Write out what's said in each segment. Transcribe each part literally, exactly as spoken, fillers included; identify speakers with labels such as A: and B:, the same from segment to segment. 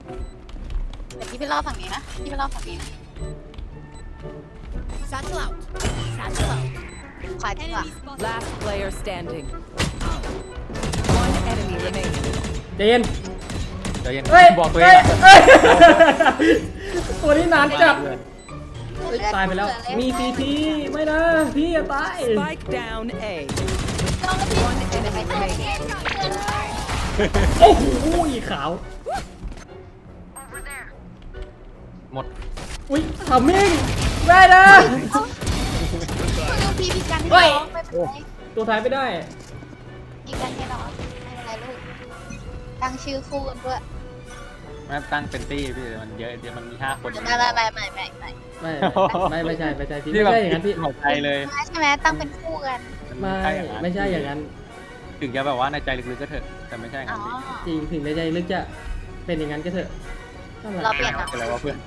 A: แต่พี่ไปรอฝั่งนี้นะพี่ไปรอฝั่งนี้นะ
B: Satchel out. Satchel out.
A: ขวาจริงว่ะ
B: Enemy spotted.
C: Last player standing. One enemy remaining.
D: เจน
E: เดี๋ยวเย็น
D: เฮ้ย
E: บอกตัวเอ
D: เฮ้ย
E: งอะ
D: เฮ้ยตัวนี้นานจัด
E: เพื่อน
D: เฮ้ยตายไปแล้ว มีซีทีไม่นะ พี่อย่าตาย
C: Spike down A.
A: ต้องแล้วพี่
C: One enemy remaining.
D: โอ้โหอีขาว
E: หมด
D: อุ้ยทำมิ่งได้นะ
A: พี่พี่กันให้
D: เฮ้ย
A: น้องไม่เป็นไร
D: ตัวท้ายไม่ได้
A: พี่กันให้น้องไม่เป็นไรลูกตั้งชื่อคู่กันด้วย
E: แม่ตั้งเป็นตี้พี่มันเยอะเดี๋ยวมันมีห้าคน
A: ไม่ไม่ไม่ไม่ไม่ไม่
D: ไม่ไม่ไม่ใช่ไม่ใช่พี่
E: พี่
D: ไม่
E: แบบ
D: ใช่อย่างนั้นพี่
E: หัวใจเลย
A: ไม่ใช่ไหมตั้งเป็นคู่กัน
D: ไม่
E: ใช่อย่างนั้น
D: ไม่ใช่อย่างนั้น
E: ถึงจะแบบว่าในใจลึกๆก็เถอะแต่ไม่ใช่อย่าง
A: อ๋อ
E: นั้นพี่
D: จริงถึงในใจลึกจะเป็นอย่างนั้นก็เถอะทำไม
A: เราเปลี่ยน
E: เป็นไรวะเพื่อน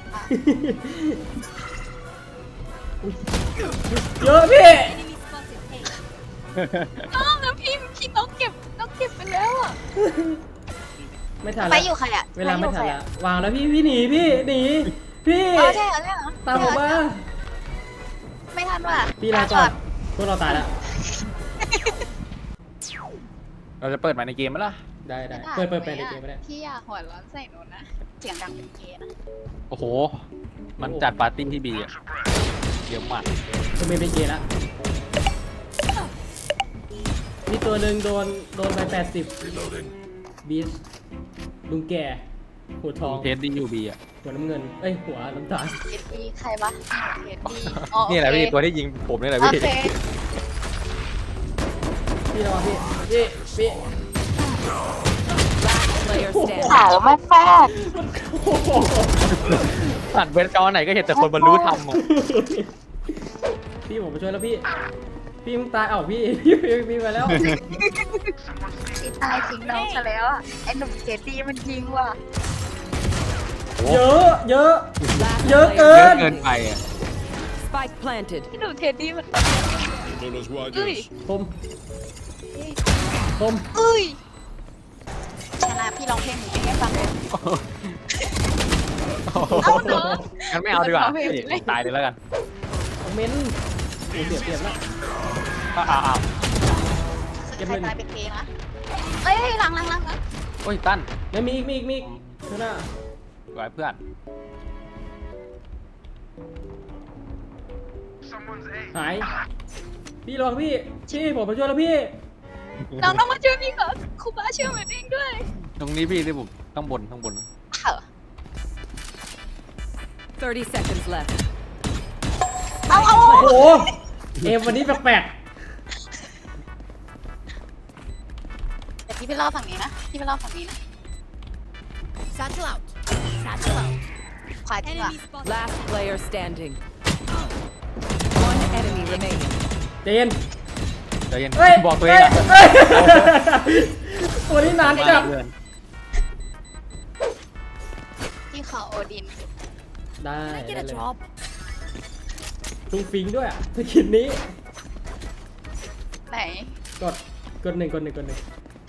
D: เยอะพี่
B: Enemy spotted. Hey.
A: น้องแล้วพี่พี่น้องเก็บน้องเก็บไปแล้วอ่ะ
D: ไม่ทัน
A: ไป
D: แล้ว
A: อยู่ใครอ่ะ
D: เวลาไม่ทันแล้ววางแล้วพี่พี่หนีพี่หนีพี่
A: อ๋อใช่เหรอใช่เหรอ
D: ตามผมมา
A: ไม่ทันว่ะ
D: พี่ลาก่อนพวกเราตายแล้ว
E: เราจะเปิดมาในเกมไหมล่ะ
D: ได้ได้เปิดเปิดเปิดในเกมไม่ได้
A: พี่อย่าหัวร้อนใส่หนูนะเสียงดังเป็นเกย์นะ
E: โอ้โห มันจัดปาร์ตี้ที่บีอะเยอะมาก
D: จะไม่เป็นเกย์ละมีตัวหนึ่งโดนโดนไปแปดสิบบีสลุงแก่หัวทอง
E: เทสดียูบีอะ
D: หัวน้ำเงินเอ้ยหัวน้ำตาล
A: เอ็ดดีใครวะเอ็ดดีอ๋อ
E: นี่แหละพี่
A: โอเค
E: ตัวที่ยิงผมนี่แหละ
A: โอ
E: พี่
A: เค
D: พี่ระวังพี่พี่พี่
C: Last player
A: ขาว
C: standing.
A: มากมาก
E: สั่นเวทจอไหนก็เห็นแต่คนบรรลุธรรมอะ
D: พี่ผมมาช่วยแล้วพี่ พี่มึงตายเอ้าพี่ พี่พี่พี่มาแล้ว
A: พี่ตายทิ้งน้องซะแล้วอ่ะไอ้หนุ่มเอ็ดดีมันยิงว่ะ
D: เยอะเยอะ
C: Last
D: เยอะเกิ
E: เยอะ
D: น
E: เกินไปอะ
C: Spike planted.
A: พี่หนุ่มเอ็ดดีมันเอ้ย
D: ผมผม
A: เอ้ยชนะพี่ร้องเพลงหนูให้ฟังเลย เอาเนอะ
E: งั้นไม่เอาดีกว่า
A: เอาเพลง
E: พี่ตายเลยแล้วกัน
D: เม้นโอ้เสียเปรียบแล้ว
E: อ้าวอ้าว
D: เก็บ
A: ใคร
D: เงิน
A: ตายเป็นเกย์นะเอ้ยหลังหลังหลังหลัง
E: โอ้ยตั้น
D: แล้วมีอีกมีอีกมีอีกข้างหน้า
E: ไหวเพื่อน
D: หาย พี่ระวังพี่พี่ผมมาช่วยแล้วพี่
A: น้องต้องมาช่วยพี่ก่อนครูบาช่วยเหมือนเองด้วย
E: ตรงนี้พี่ที่ผมต้องบนข้างบน
A: เอ้า
C: thirty seconds left.
A: เอาเอา
D: โอ้โหเอมวันนี้แปลก
A: แต่พี่ไปรอฝั่งนี้นะพี่ไปรอฝั่งนี้นะ
B: Satchel out. Satchel out.
A: ขวาจริงว่ะ
B: Enemy spotted.
C: Last player standing. One enemy remaining.
D: ๆเจน
E: เดี๋ยวเย็น
D: เฮ้ย
E: บอกตัวเองอะ
D: เฮ้ยตัวนี้นานจัด
E: เพื่อน
A: ที่เขาโอดิน
D: ได้
B: Can I
D: ได้
B: get a
D: เลย
B: drop?
D: ตุ้งฟิงด้วยอ่ะสกินนี้
A: ไหน
D: กดกดหนึ่งกดหนึ่งกดหนึ่ง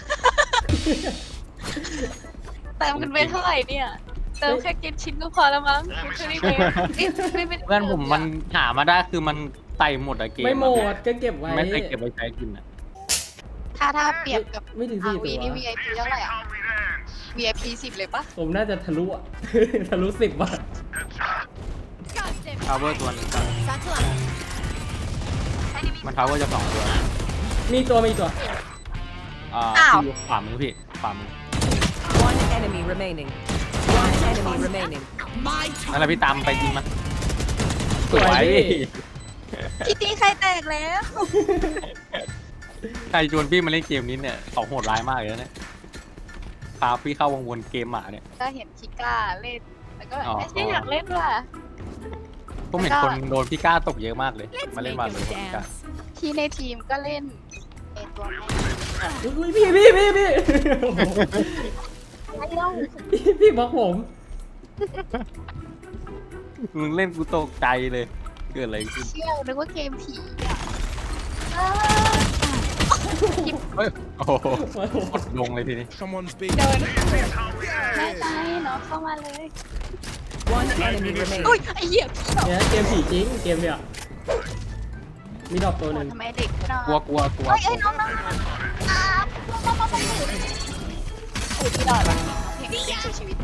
A: เติมกันไปเท่าไหร่เนี่ยเติมแค่กินชิ้นก็พอแล้วมั้งไม่ไม่ไม่ไม่
E: เพื่อนผมมันหามาได้คือมันไต่หมดอะเกม
D: ไม่หม
E: อะ
D: ดก็เก็บไว้
E: ไม่เคยเก็บไว้ใช้กินอะ
A: ถ้าถ้าเปรียบกับ
D: ไม่ถึง
A: อา
D: สี่
A: วี
D: ตัว
A: นี่ วีไอพีเท่าไหร่อ่ะ วีไอพี สิบเลยปะ
D: ผมน่าจะทะลุอ่ะ ทะลุสิบว่ะ
B: God damn it.
E: พาวเวอร์ตัวหนึงครับ
B: Satchel out.
E: มันพาวเวอร์จะสองตัว
D: มีตัวมีตัว
E: อ่าที่อยู่ขวามือพี่ขวามือ
C: One enemy remaining. One enemy remaining.
E: นั่นแหละพี่ตามไปยิงมันส
D: สวย
E: วย
D: พี่
A: พี่ตีใครแตกแล้ว
E: ใครชวนพี่มาเล่นเกมนี้เนี่ยเขาโหดร้ายมากเลยนะเนี่ยพาพี่เข้าวงวนเกมหมาเนี่ย
A: ก็เห็นชิก้าเล่นแล้วก็แบบ
E: อ๋อ
A: ไม่ใช่อยากเล่นว่ะ
E: ผมเห็นคนโดนพี่ก้าตกเยอะมากเลย
B: Let's
E: มาเล่น
B: make
E: มา
B: him
E: เลยพี่ก้า
B: dance.
A: ที่ในทีมก็เล่นเอตัวแม่
D: อุ้ยพี่พี่พี่พี่
A: ไอ้เล่า
D: พี่พี่บล็อกผม
E: มึงเล่นกูตกใจเลยเกิดอะไรขึ้น
A: เชี่ยวนึกว่าเกมผีอ่ะเออ
E: เฮ้ยโอ้โหกดลงเลยทีนี้
F: Someone's been.
A: เดินไม่ใช่เนาะเข้ามาเลย
C: One enemy remaining.
A: อุ้ยไอ้เหี้ยพี่ดอก
D: เนี่ยเกมผีจริงเกมเนี่ยมีดอกตัวหนึ่ง
A: ทำไมเด็กไม่นอน
E: กลัวกลัวกลัว
A: เอ้ยเอ้ยน้องน้องอ่ามามามามาอุ้ยพี่ดอกว่ะเพลงช่วยชีวิต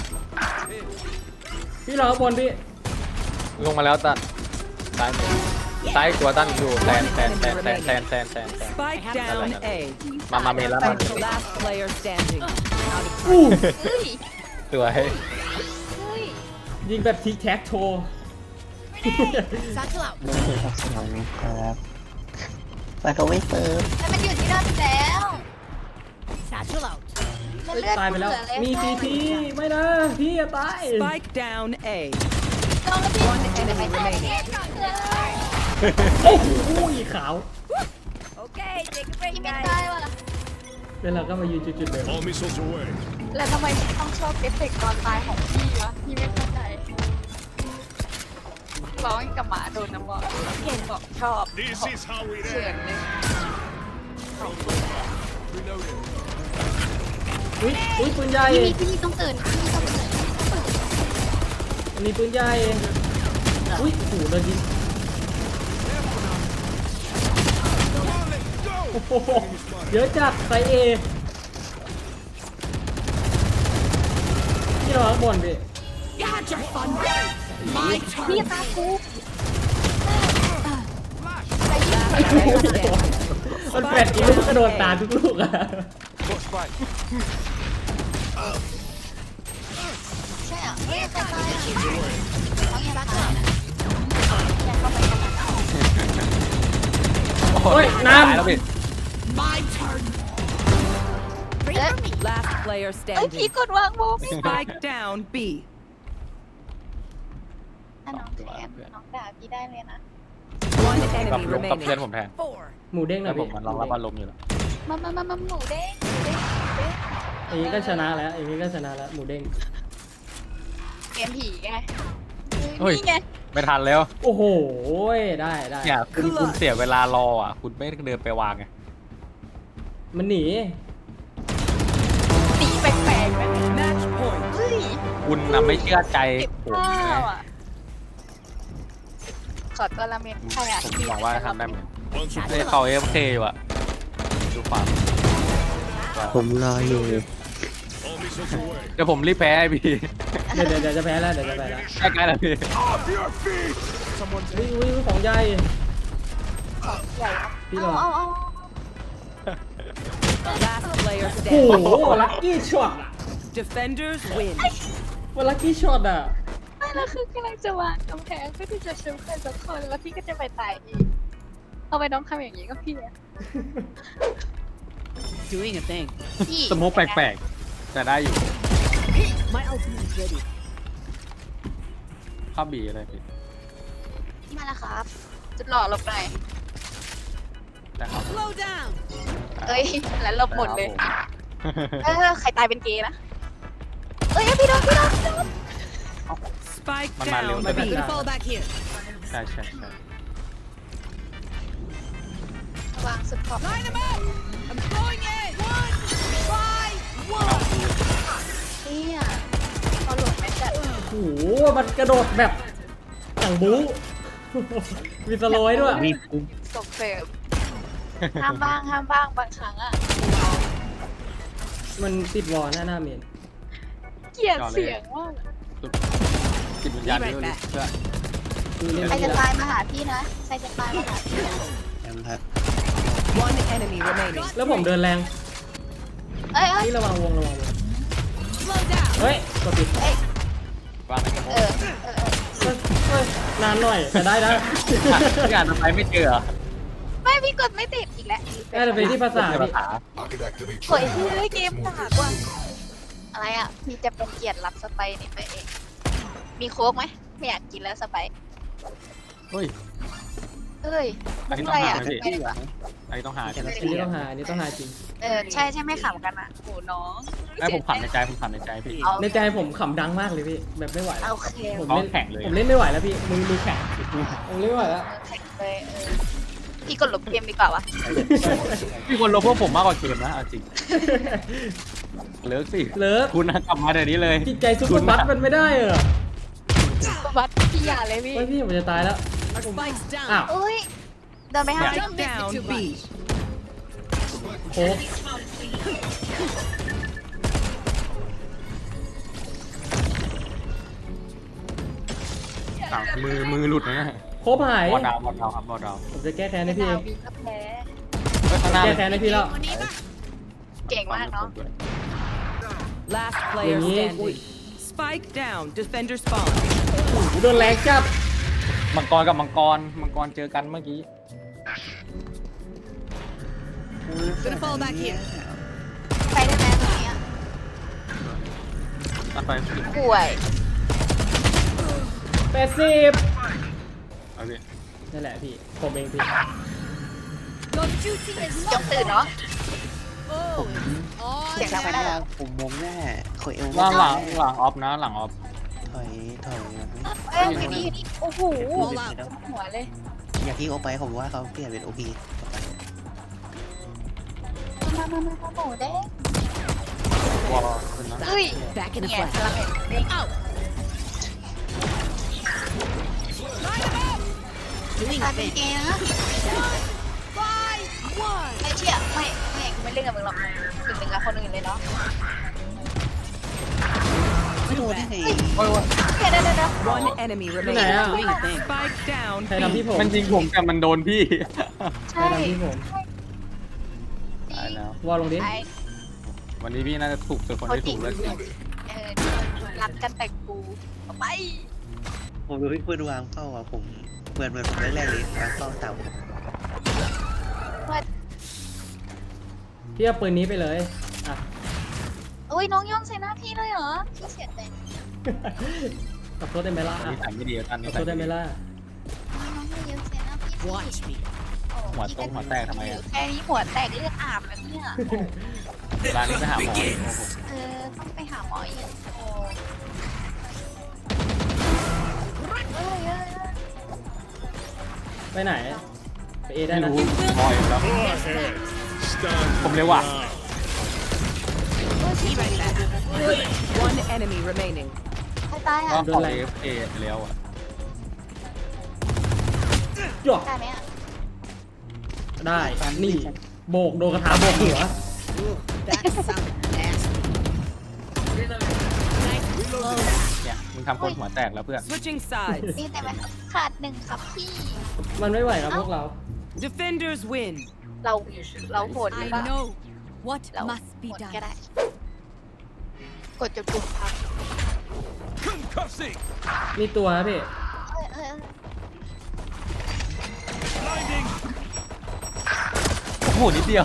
D: พี่รอข้างบนพี่
E: ลงมาแล้วตันซ้ายมือซ้ายตัวตั้นอยู่แซนแซนแซนแซนแซนแซนแซนแซน
C: Spike down A.
E: มามาเมนแล้วมา
C: Last player standing.
D: อู้
A: เฮ้ย
E: สวย
A: เฮ้ย
D: ยิงแบบทิกแท็กโชว์
B: Satchel out.
G: ไม่เคยทักษะนี้ครับแต่ก็ไม่เติม
A: แต่มันอยู่ที่นั่นแล้ว
B: Satchel out.
A: มันเลือด
D: ตายไปแล้ว
A: เหอเย
D: มีซีทีไม่นะพี่จะตาย
C: Spike down A.
A: น้องแล้วพี่
C: One enemy remaining.
D: โอ้โหขาว
B: Okay, take a break,
A: พี่ไม่
B: guys.
A: ได้ว่ะ
D: แล้วเราก็มายืนจุดๆเดิม
F: All missiles away.
A: แล้วทำไมพี่ต้องชอบเอฟเฟกต์ตอนตายของพี่วะพี่ไม่เข้าใจร้องกับหมาโดนน้ำบอกเก่งบอกชอบ
F: This is how we
A: เขิน
F: end.
A: เลย
F: Reloading.
D: อุ้ยอุ้ยปืนใหญ่
A: พี่มีพี่มีต้องตื่นพี่มีต้องตื่น
D: อันนี้ปืนใหญ่อุ้ยโอ้โหโดนยิงโอ้โหเยอะจัดไซเอพี่รอข้างบนพี่
A: พี่ตาคู
C: Last player standing.
D: มันแปดอีลูกกระโดดตามทุกลูกอะ
A: ใช่อ่ะเฮ้ยตายตายอ่ะเขาอย่างตายอยากเข้าไปกันนะ
E: โอ้ยน้ำแล้วพี่
A: เอ๊ะ
C: Last player
A: เอ้ยพี่
C: standing.
A: กดวางโบพี่
C: Spike down B.
A: ถ้าน้องแทนน้องด่าพี่ได้เลยนะ
C: One
E: กับ
C: enemy
E: ลงกับเพื่อน
C: remaining.
E: ผมแทน
B: Four.
D: หมูเด้งหน่
E: แล้
D: อ
E: วย ผม
D: พี่
E: มันรองรับอารมณ์อยู่แล้ว
A: มามามามาหมูเด้งหมูเด้งหมูเด้ง
D: อย่างนี้ก็ชนะแล้วอย่างนี้ก็ชนะแล้วหมูเด้ง
A: เกมผีไง
E: เฮ้ย
A: นี่ไง
E: ไม่ทันแล้ว
D: โอ้โหได้ได้
E: เนี่ยคุณคุณเสียเวลารออ่ะ คุณไม่เดินไปวางไง
D: มันหนี
A: ตีแปลกๆนะ
C: Match point.
A: เฮ้ย
E: คุณน่ะไม่เชื่อใจ
A: เก็บ
E: ผม
A: ข้า
E: ไง
A: วอ่ะขอตัวละเมนใครอ่ะ
E: ผมหวังว่าจะทำได้เหมือน
F: One
E: เฮ้ยเขาเอฟเคอยู่อ่ะดูความ
G: ผมรออยู่
F: All missiles away.
E: เดี๋ยวผมรีบแพ้ไอพี่
D: เดี๋ยวเดี๋ยวเดี๋ยวจะแพ้แล้วเดี๋ยวจะแพ้แล้ว
E: ใกล้ๆแล้วพี่
F: Off your feet. Someone's
D: อุ้ยอุ้ยของใหญ่
A: ใหญ่
D: พี่
A: เอา
D: รอ
A: เอาเอา
C: Last player
D: โอ้โห
C: standing.
D: ลัคกี้ช็อตอะ
C: Defenders win.
D: ว่าลัคกี้ช็อตอะ
A: ไม่แล้วคือกำลังจะวางกำแพงเพื่อที่จะชุบใครสักคนแล้วพี่ก็จะไปตายอีกเอาไปน้องทำอย่างนี้ก็พี่อะ
C: Doing a thing.
A: พี่
E: สโมกแปลกๆ แต่ได้อยู่
C: My ultimate is ready.
E: เข้าบีอะไรพี่
A: พี่มาแล้วครับ จุดหล่อหลบหน่อย
E: นะครับ
B: Slow down.
A: เอ้ยแล้วหลบหมดเลย
E: ครับผ
A: เออใครตายเป็นเกย์นะเอ้ยพี่โดนพี่โดนพี่โดน
C: Spike
E: Man, man,
C: down
E: man,
C: B.
E: man.
B: Gonna fall back here.
E: ใช่ใช่ใช่
A: วางสุดขอบ
B: Line them up. I'm going in. One. Try.
E: เอา
B: One.
A: เนี่ยพอหลบไม่จัด
D: โอ้โหมันกระโดดแบบอย่างบู๊ มีสโลว์ด้วย
G: มีปุ๊บ
A: ส่งเสริมห้ามบ้างห้ามบ้างบางครั้งอ่ะ
D: มันติดวอลหน้าหน้าเมน
A: เกลียดเสียงว่าก
E: จิตวิญญาณนี่ก็รู้เชื่อ
D: คือเล่น
A: ใคร
D: ไม่
A: จะ
D: ได้
A: ตายมาหาพี่นะใครจะตายมาหาพี่นะ
G: แอมครับ
C: One enemy remaining.
D: แล้วผมเดินแรง
A: เอ้ยเอ้ย
D: นี่ระวังวงระวังวง
B: Slow down.
D: เฮ้ยกดปิด
A: เอ้ย
E: ว่างไหมครับ
A: เออเออเออ
D: เฮ้ยเฮ้ยนานหน่อยแต่ได้นะ
E: พี่อ่านทำไมไม่เจอเหรอ
A: ไม่พี่กดไม่ติดอีกแล้ว
D: น่าจะเป็นที่ภาษา
E: ภา
D: พี่
E: ษา
A: โอ้ยพี่เล่นเกมหนักว่ะอะไรอ่ะพี่จะเป็นเกียรติรับสไปร์นี่ไปเองมีโค้กไหมไม่อยากกินแล้วสไปร์
E: เฮ้ย
A: เอ้ย
E: อันนี้
A: มุก
E: ต้
A: อะ
E: อง
A: ไร
E: หา
A: อ่ะ
E: ไหมพี่
A: ไม่ได้ปะ
E: อันนี้ต้องหาใช่ไหม
D: อันนี้ต้องหาอันนี้ต้องหาจริง
A: เออใช่ใช่ไม่ขำกันอ่ะโหน้อง
E: ไอ้ผมขำในใจผมขำในใจพี่
A: เอา
D: ในใจผมขำดังมากเลยพี่แบบไม่ไหวแล้ว
A: โอเค
D: ผม
E: ท้อง
D: เล่น
E: แข็งเลย
D: ผมเล่นไม่ไหวแล้วพี่มือมือแข็งผมเล่นไม่ไหวแล้ว
A: แข่งเลยเออพี่กดลบเกมดีกว่าวะ
E: มีคนลบพวกผมมากกว่าเกมนะเอาจริงเลิกสิ
D: เลิก
E: คุณนะกลับมาเดี๋ยวนี้เลย
D: จิตใจซุปเปอร์บัสมันไม่ได้เหรอ
A: วัดพี่อย่าเลยพี่
D: ไม่พี่ผมจะตายแล้ว
B: Spikes down.
D: อ้าว
A: อุ้ยเดินไปหา
B: Don't miss it
C: Down
B: too
C: B.
B: much.
D: โค้ก
E: อ่ะมือมือหลุดนะ
D: โค้กหาย
E: บอลดาวบอลดาวครับบอลดาว
D: ผมจะแก้แค้นให้พี่เอ
A: ดาง วีก็แพ้
E: เฮ้ยข้างหน้า
D: แก้แค้นให้พี่แล้ว
B: วันนี้ป่ะ
A: เก่งมากเนาะ
C: Last player
D: Ui.
C: standing. Spike down. Defender spawn.
D: โดนแรงจับ
E: มังกรกับมังกรมังกรเจอกันเมื่อกี้
B: Gonna fall back here.
A: ไปได้ไหมตรงนี้อะ
E: ตัดไป
A: ป่วย
D: แปดสิบ
E: เอาดิ
D: นั่นแหละพี่ ผมเองพี่
B: Your duty is
A: จงตื่นเนาะ
B: oh, it's
A: เสียงดัง
B: on.
A: ไปได้
G: ผมมงแน่ขอเอว
E: หลังหลังหลังออฟนะหลังออฟ
G: ถอยถอย
A: เอ้ยอยู่นี่อยู่นี่โอ้โห
B: All out.
A: หัวเลย
G: อย่าทิ้งโอไปผมว่าเขาเปลี่ยนเป็นโอพี
A: มามามามาหมูเด้ง
E: วอลขึ้นนะ
A: เฮ้ย
C: Back in the
A: เนี่ย
C: flash.
A: สลับเด้ง
B: Out.
A: ตาเป็นเกย์นะ
B: Five, one.
A: ไอ้เชี่ยไม่ไม่กูไม่เล่นกับมึงหรอกถึงหนึ่งกับคนอื่นเลยเนาะ
G: ไม่โดนได้ไง
E: โอ้ยโอ้ย
A: เดี๋ยวเดี๋ยวเดี๋ยว
C: One enemy
D: ที่ไหนอ่ะ
C: remaining. Spike down.
D: ใครทำพี่ผม
E: มันยิงผมแต่มันโดนพี่
D: ใคร
A: ใช่
D: ทำพี่ผม
E: ตายแล้ว
D: วอลลงดิ
A: ไอ้
E: วันนี้พี่น่าจะถูกจนคน
A: เขา
E: ที่
A: จิ
E: ถู
A: ก
E: กเลิกจริง
A: เออรักกันแต่กูเอาไป
G: ผมดูพี่เพื่อนวางเข้าอ่ะผมเหมือนเหมือนผมแรกๆเลยวางเข้าต่ำ
A: ว่า
D: พี่เอาปืนนี้ไปเลย อ่ะ
A: อุ้ยน้องย่องใส่หน้าพี่เลยเหรอพี่เสียใจ
D: ขอโทษได้ไหมล่ะ
E: อัน
D: อ่ะ
E: นี้ใส่ไม่ดีท่าน
D: ข
E: นี้
D: อ
E: ใส่
D: โทษได้ไหม
E: ไม่ดี
D: ล่ะ
A: น้องย่องใส่หน้าพี่
B: Watch me.
E: หัวตรงหัวแตกทำไมอะ
A: แค่นี้หัวแตกเลือดอาบแล้วเนี่ย
E: ร้านนี้ไปหาหมอโอ้โห
A: เออต้องไปหาหมออีกโอ้เอ้ยเอ้ยเอ้ย
D: ไปไหน ไปเอได้
E: ไม่
D: นะ
E: รู้บอยแล้ว
F: Stand
E: ผมเร็วว่ะ
F: down.
C: One enemy remaining.
A: ใครตาย
E: ก็
A: อ่ะ
E: ของเอฟเอแล้วอ่ะ
D: จ้วก
A: ได้ไหมอ่ะ
D: ได้ นี่ โบก โดนกระถาโบกหัว
B: That sounded nasty. Nice slow.
E: เนี่ยมึงทำคนหัวแตกแล้วเพื่อน
C: Switching sides.
A: นี่แต่มันขาดหนึ่งครับพี่
D: มันไม่ไหวครับพวกเรา
C: Defenders win.
A: เราเราโหดหรือเป
B: I
A: ล่า
B: know what
A: เรา
B: must be
A: โหด
B: done.
A: ก็ได้ กดจนปุ่มพัง
F: Concussing.
D: มีตัวนะพี่
A: เอ้ยเอ้ยเอ้ย
F: Blinding.
E: โอ้โหนิดเดียว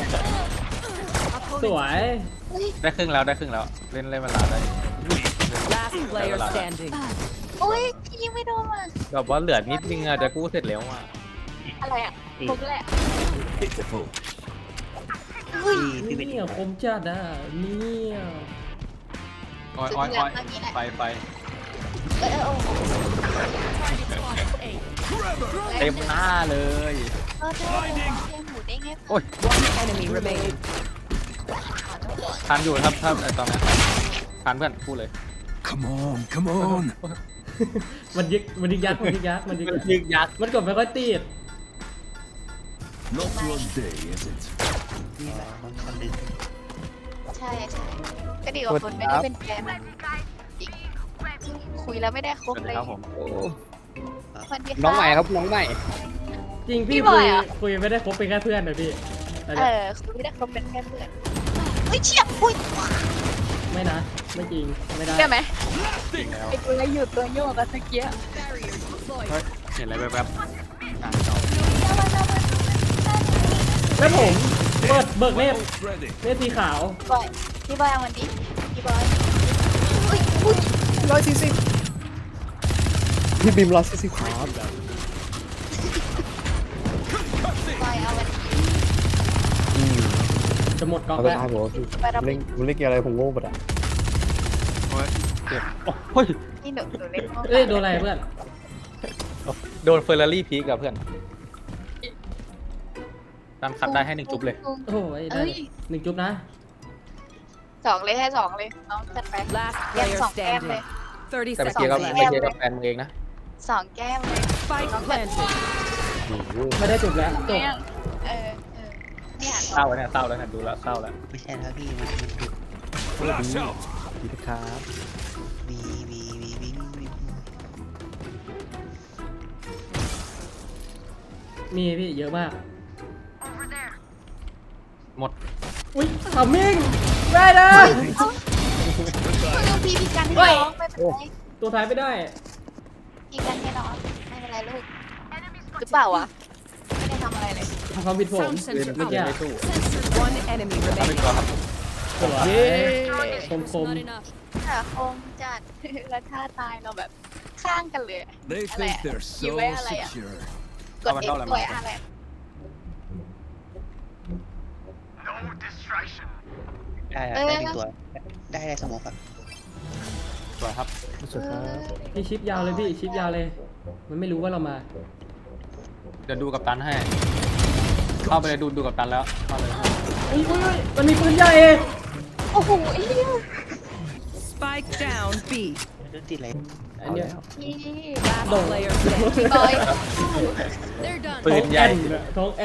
D: สวย
A: เฮ้ย
E: ได้ครึ่งแล้วได้ครึ่งแล้ว เล่นเล่นเวลาได้
C: Last player standing.
A: โอ้ยพี่ยิงไม่โดนว่ะ
E: แบบว่าเหลือนิดนึงอะจะกู้เสร็จแล้วอ่ะ
A: อะไรอ่ะผมแหละ
F: Pitiful.
A: เฮ้ย
G: พี่เป็น
D: เนี่ยคมจัดอ่ะเนี่ย
E: อ้อยอ้อยอ้อยไปไป
A: เอ้ยเอ้ยโอ้โห
E: เต็มหน้าเลย
A: เออเธอเลี้ยงหมูได้ไง
E: โอ้ย
C: One enemy remaining.
E: ทันอยู่ครับถ้าไอตอนนี้ทันเพื่อนพูดเลย
F: Come on, come on.
D: มันยึก มันยึกยักษ์มันยึกยักษ์มันยึก
E: มัน
D: ยักษ์
E: ยึกยักษ์
D: มันกดไม่ค่อยติด
F: Not your day, is it?
G: นี่แหละมันคนดึง
A: ใช่ใช่ก็ดีกว่าคนไม่ได้เป็นแฟนมันอีกคุยแล้วไม่ได้ค
E: ส
A: บ
E: วัส
A: เล
E: ดี
A: ย
E: ครับผม
A: สวัสดี
E: น้องใหม่ครับน้องใหม่
D: จริงพี่
A: พี่บ
D: คุ
A: อย
D: ย
A: เหรอ
D: คุยไม่ได้คบเป็นแค่เพื่อนนะพี่อัน
A: เอ
D: เนี้ย
A: อคุยไม่ได้คบเป็นแค่เพื่อนเฮ้ยเฉียบอุ้ย
D: ไม่นะ ไม่จริง ไม่ได้
A: เชื่อไหม
E: จริงแล้ว
A: ไอ้ตัวอะไรอยู่ตัวโยกอะตะเกียบ
E: เฮ้ยเห็นอะไรแวบๆอ่ะจบ
D: แล้วผมเปิดเบิกเนต
F: Both ready.
D: เนตสีขาว
A: บอยพี่บอยเอามันดิพี่บอยอุ้ยอุ้ย
H: ร้อยสี่สิบพี่บิมร้อยสี่สิบครับ
A: บอยเอามันดิ
D: จะหมดกอง
H: เอาไป
D: แล้ว
H: ตายผมว่าพี่
A: ไปรับ
H: เล่นผมเล่นเกมอะไรผมโง่หมดอ่ะ
E: โอ้ยเจ็บโอ้ย
A: นี่หนูหนูเล่นโง่
D: เอ้ยโดนอะไรเพื่อน
E: โดนเฟอร์รารี่พีกับเพื่อนตามคัดได้ให้หนึ่งจุ๊บเลย
D: โอ้ยได้
A: เอ้ย
D: หนึ่งจุ๊บนะ
A: สองเลยให้สองเลยน้องจัดไป
C: Last
A: แก้ม
C: player
A: สองแก้มเลย
C: standing. thirty
E: แต่ไป
C: seconds
E: เจอกับ
C: left.
E: ไปเจอกับแฟนมึงเองนะ
A: สองแก้มเลย
C: Spike planted.
D: ไม่ได้จุ๊บแล้วจบ
A: เนี่ยเออเออเนี่ย
E: เศร้าแล้วเนี่ยเศร้าแล้วเนี่ยดูแล้วเศร้าแล้ว
G: ไม่ใช่แล้วพี่มันมันดุ
F: Flash out.
H: ดีครับ
G: มีมีมีมีมี
D: มีพี่เยอะมาก
E: หมด
D: อุ้ยทำมิ่งได้นะ
A: คือพี่พี่กันให้น้องไม่เป็นไร
D: ตัวท้ายไม่ได้
A: พี่กันให้น้องไม่เป็นไรลูกหรือเปล่าวะไม่ได้ทำอะไรเลย
D: ทำความผิดผม
C: Sound
E: เล่น
C: sensor
E: เล่น
C: out.
E: เกมไม่สู้
C: One enemy
E: ถ้าเป็น
C: remaining.
E: ตัวครับ
D: สวยคมคม
A: แต่คงจัด แล้วท่าตายเราแบบข้างกันเลย
F: They
A: อะไร
F: think
A: อะ
F: they're
A: อยู่
F: so
A: ไว้อะไรอะ
F: secure.
A: กดเอ็กซ์ไว้อะไร
G: ได้อะ
A: เออ
G: ได้หนึ่งตัว ได้ได้สมองครับ
E: สวยครับ
H: สุดครับ
D: พี่ชิปยาวเลยพี่ชิปยาวเลย มันไม่รู้ว่าเรามา
E: เดี๋ยวดูกับตันให้ เข้าไปเลยดูดูกับตันแล้วเข้าเลย
D: อุ้ยอุ้ยอุ้ยมันมีปืนใหญ่
A: โอ้โหไอ้เหี้ย
C: Spike down B.
G: เรื่องติดอะไร
D: อันเนี้ย
A: พี่
C: Last
D: Don't.
C: player standing.
A: บอย
B: They're done.
E: ปื
D: ท้อน ง
E: ให
D: แอ
E: ญ่
D: นท้องแอน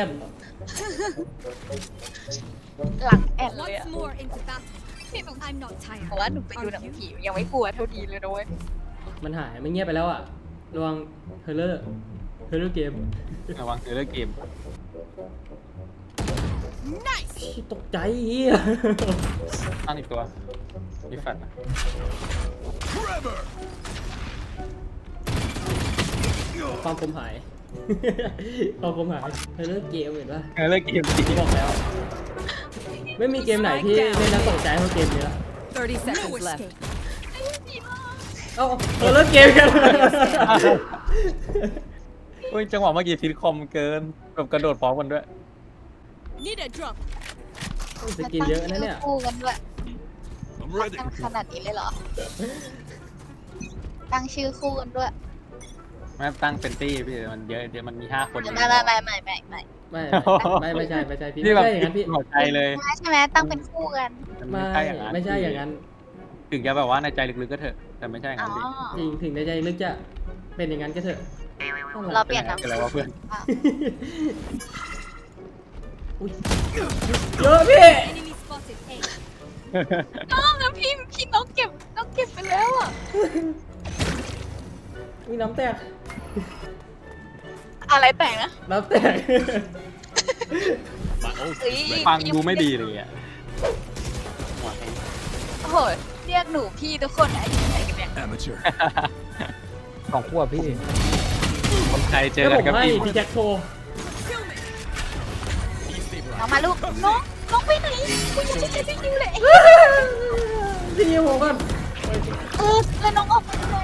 A: หลังแอนเลยอะ
B: Once more into battle.
A: พี่หนู
B: I'm not tired.
A: บอกว่าหนูไปดูหนังผียังไม่กลัวเท่าดีเลยนะเว้ย
D: มันหายมันเงียบไปแล้วอ่ะระวังเฮเลอร์เฮเลอร์เกม
E: ระวังเรื่องเกม
B: Nice.
D: ตกใจเฮีย
E: ตั้งอีกตัวมีแฟลชนะ
F: Trevor.
D: ความคมหาย ความคมหายเฮเลอร์เกมเห็นปะ
E: เรื่องเกมจริง
D: บอกแล้ว ไม่มีเกมไหนที่เล่นแล้วตกใจเท่าเกมนี้ละ
C: thirty
B: No
C: seconds left.
B: escape.
D: เอ้าเฮเลอร์เกมกัน
E: เฮ้ยจังหวะเมื่อกี้ซิทคอมเกินแบบกระโดดพร้อมกันด้วย
B: Need a drop.
D: สกินเยอะนะเนี่ย
A: คู่กันด้วย
F: I'm ready.
A: ตั้งขนาดนี้เลยเหรอ ตั้งชื่อคู่กันด้วย
E: ไม่ตั้งเป็นตี้พี่มันเยอะเดี๋ยวมันมีห้าคน
A: ไม่ไม่ไม่ไม่ไม่ไม่
D: ไม่ไม่ไม่ใช่ไม่ใช่พี่
E: นี่
D: ไม่
E: แบบ
D: ใช่อย่างนั้นพี่
E: หัวใจเลย
A: ใช่ไหมตั้งเป็นคู่กัน
E: มัน
D: ไม่
E: ไม่ใช่อย่างนั้น
D: ไม่ใช่อย่างนั้น
E: ถึงจะแบบว่าในใจลึกๆก็เถอะแต่ไม่ใช่อย่าง
A: อ๋อ
E: นั้นดิ
D: จริงถึงในใจลึกจะเป็นอย่างนั้นก็เถอะ
A: เราเปลี่ยนนาม
E: เป็นอะไรวะเพื่อน
D: อุ๊ยเยอะพี่
B: Enemy spotted. A.
A: น้องแล้วพี่พี่น้องเก็บน้องเก็บไปแล้วอ่ะ
D: มีน้ำแตก
A: อะไรแต่งนะ
D: น้ำแตก
F: My ult
A: เฮ้ย
F: is ready.
E: ฟังดูไม่ดีเลยอ่ะหัวแข็ง
A: โอ้โหเรียกหนูพี่ทุกคนอายุไหนกันเนี่ย
F: Amateur.
E: ของขั้วพี่ คนไทยเจอ
D: แล้ว
E: กั
D: ผ
E: น
D: ม
E: กับ
D: ให้
E: พี่
D: พี่แจ็คโชว์
A: น้องมาลูกน้องน้องไปไหนกูยังไม่ได้ไปดูเลย
D: พี่นิวผมก่อน
A: เออแล้วน้องออกมาทำไม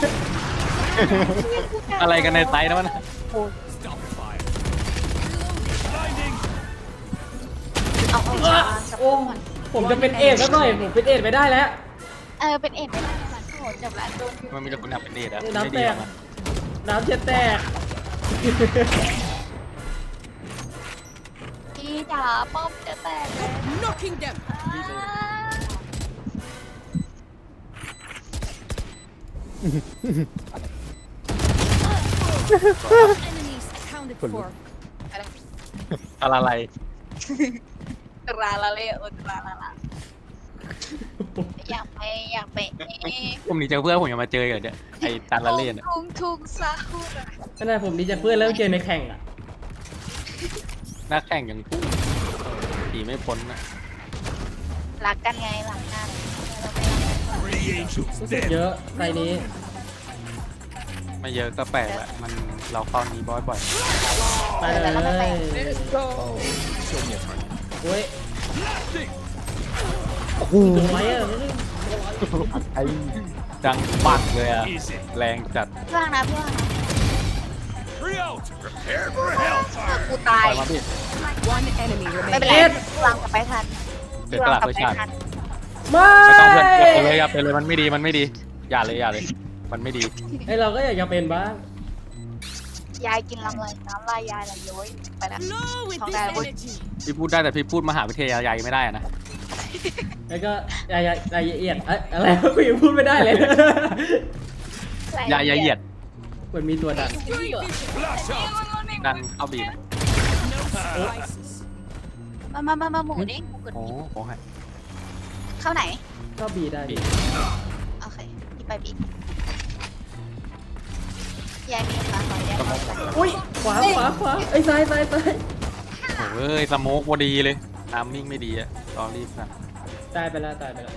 E: อะไรกันในไซต์นะมัน
F: Stop fire. Blinding.
A: เอาเอาเอา
D: โอ้ผมจะเป็นเอดแล้วหน่อยผมเป็นเอดไปได้แล้ว
A: เออเป็นเอ็ดไม่ได้ค่ะโอ้โหจบละโดน
E: มันมีแต่คนอยากเป็นเดทอะ
D: น้ำ
E: ไม่
D: แต
E: ดีหร
D: ก
E: อกนะ
D: น้ำเช็ดแตก
A: พี่จ๋าป้อมจะแตกแล้ว
B: Knocking them.
C: Enemies accounted for.
E: อะไรอะไร
A: ตราละเลยโอตราละละอยากไปอยากไป
E: ผมหนีจากเพื่อนผมยังมาเจออยู่เนี่ยไอ้ตันละเล่นอะ
A: ทุ่งทุ่งซาฮูระ
D: ขนาดผมดีจากเพื่อนแล้วเจอในแข่งอ่ะ
E: นักแข่งยังตีไม่พ้นนะ
A: รักกันไงหลังกัน
F: Three angels
D: รู้สึก
F: dead.
D: เยอะไฟนี้
E: ไม่เยอะก็แปลกแหละมันเราเข้านี้บ่อยบ่อย
D: ไปเลย
A: แล้วก็แตก
F: Show me a target.
D: โอ้ย
F: Blasting.
D: ถึงไหมอ่ะ
E: ไอ้ดังปักเลยอะ
F: Easy.
E: แรงจัด
A: เพื่อนนะเพื่อนนะ
F: Three out. Prepare for hellfire.
A: กูตา
E: ป
A: ย
E: ล่อยมาพี่
C: One enemy
A: ไม่เป็น
C: remaining.
A: ไรวางกลับไปทัน
E: เดี๋ยวตลาด
A: กลั
E: ไป
A: ไป
E: ชาติ
A: ทัน
D: ไม่
E: ไม่ต้องเพื่อนอย่าไปเลยอย่าไปเลยมันไม่ดีมันไม่ดี อย่าเลยอย่าเลย มันไม่ดี
D: ไอเราก็อยากจะเป็นบ้าง
A: ยยายกินลำไรน้ำลายยายไหลย้อยไปแล้ว
B: Flow with
A: Không
B: this
A: ra được.
B: energy.
E: พี่พูดได้แต่พี่พูดมหาวิทยาลัยไม่ได้อะนะ
D: แล้วก็ยายยายเอียดเอ๊ะอะไรกูยังพูดไม่ได้เลย
E: ยายาเหยียด
D: มันมีตัวดัน
E: ดันเข้าบีนะ
B: No spices.
A: มามามามาหมูนี่หมูกด
E: โอ้โหให้
A: เข้าไหน
D: ก็บีได้
E: บี
A: โอเคพี่ไปบียายมีขาขอยายขอจัด
D: อุ้ยขวาขวาขวาไอ้ยซ้ายซ้ายซ้าย
E: โอ้เอ้ยสโมกพอดีเลยทามมิ่งไม่ดีอะรอรีบนะ
D: ตายไปแล้วตายไปแล้ว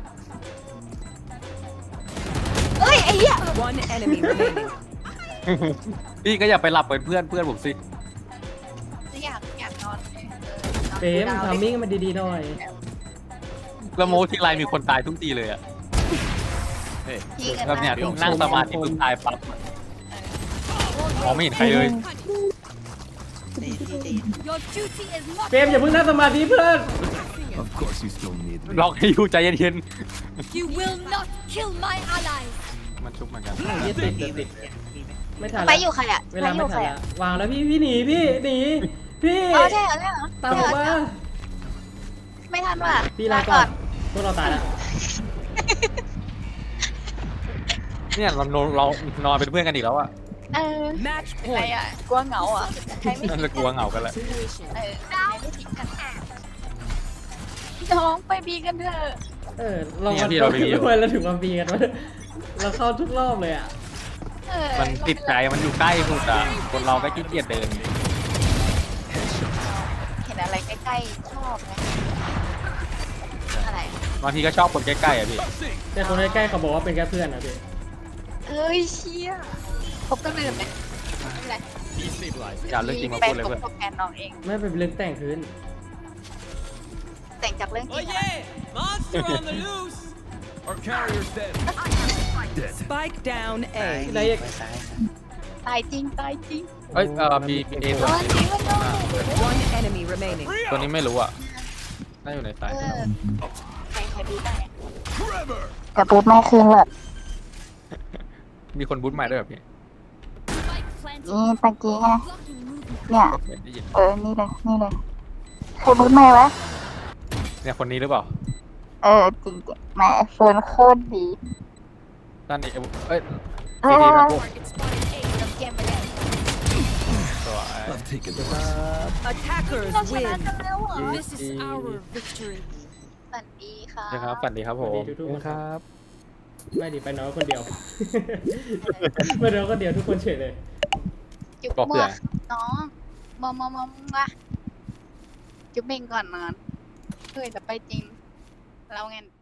A: เอ้ยไอ้เหี้ย
C: One enemy remaining.
E: พี่ก็อย่าไปหลับเป็นเพื่อนเพื่อนผมสิ
A: อยากอยากนอน
D: เฟรมทำมิ่งมันดีๆหน่อย
E: สโมกทีไรมีคนตายทุกทีเลยอะ
A: พี่กัน
E: แบบเนี้ย
A: นะ
E: นั่งสมาธิปุ๊บตายปั๊บมองไม่เห็นใครเลย
G: ใจเย็นพี่ใจเย็น
B: Your duty is not
D: เฟรมอย่าเพิ่งนั่งสมาธิเพื่อน
F: Of course you still need me.
E: ล็อกให้อยู่ใจเย็น
B: You will not kill my allies.
E: ๆมันชุบเหมือนกัน
D: ยี่ติด
G: มี
D: ติด
G: ไหมมีไหม
D: ไม่ทัน
A: ไป
D: แล้ว
A: อยู่ใครอ่ะ
D: เวลา
A: ไปอ
D: ไม่
A: ยู่
D: ทั
A: ใคร
D: น
A: อ่ะ
D: แล้ววางแล้วพี่พี่หนีพี่หนีพี่
A: อ๋อใช่เหรอใช่เหรอ
D: ตามผมมา
A: ไม่ทันว่ะ
D: พี่ลาก่อนพวกเราตายแล้ว
E: เนี่ยเราเราเรานอนเป็นเพื่อนกันอีกแล้วอะ
A: เออ
C: Match
A: อะไร
C: point.
A: อ่ะกลัวเหงาอ่ะใครไม่
E: นั่นจะกลัวเหงากันแหละ
A: เออใครไม่ทิ้งกันน้องไปบีกันเถอะ
D: เออเรา
E: เนี่ยพี่เราไปอยู่
D: ทำไมเราถึงมาบีกันวะเราเข้าทุกรอบเลยอ่ะ
A: เออ
E: มันติดใจมันอยู่ใกล้สุดอะคนเราก็ขี้เกียจเดิน
A: เห็นอะไรใกล้ๆชอบไหมอะไร
E: บางทีก็ชอบคนใกล้ๆอะพี่
D: แต่คนใกล้ๆเขาบอกว่าเป็นแค่เพื่อนนะพี่
A: เอ้ยเชี่ยพบกันลืมไหมไม่เป็นไร
E: อย่าเรื่องจริงมา
A: ไป
E: พูดเลย
A: ต
E: เพื่อน
A: กแทนน้องเอง
D: ไม่เป็นเรื่องแต่งคืน
A: แต่งจากเรื่องจริงอะ
B: Monster on the loose.
F: Our carrier's dead. Dead.
C: Spike down
G: ซ้าย
C: A.
D: ได้
G: มี
D: ยัง
G: ไปซ้ายครับ
A: ตายจริงตายจริง
E: เอ้ยเออมีมีเอ
A: เอ
E: ตัว
A: อจริงมันโดน
C: One enemy remaining.
E: ตัวนี้ไม่รู้อะน่าอยู่ในสาย
A: เออใครใครบูทได้
F: Forever.
A: แต่บูทไม่คืนเลย
E: มีคนบูทใหม่ด้วยแบบพี่
A: นี่ตะกี้ไงเนี่ย
E: ได้ยิน
A: เออ นี่เลย นี่เลยคือบูทไม่วะ
E: เนี่ยคนนี้หรือเปล่า
A: เออ จริงๆแหมเฟิร์นโคตรดี
E: ด้านนี้เอ้ย
A: เอ
E: ดี
A: อ
E: ดีมาพวก
A: เกมไปเลย
E: ตัว
F: I've taken the
C: Attackers
A: เราชนะ
C: win.
A: กันแล้วเหรอ
B: This is our victory.
A: สวัสดีค่ะ
E: นะครับฝันดีครับผม
D: สวัสดีทุกๆคน
E: ครับ
D: ไม่ดิไปน้อยคนเดียว ไปน้อยคนเดียวทุกคนเฉยเลย
A: จุ๊บเมื่อน้องมอมอมอมมาจุ๊บเมงก่อนนอนเฮ้ยแต่ไปจริง เราไง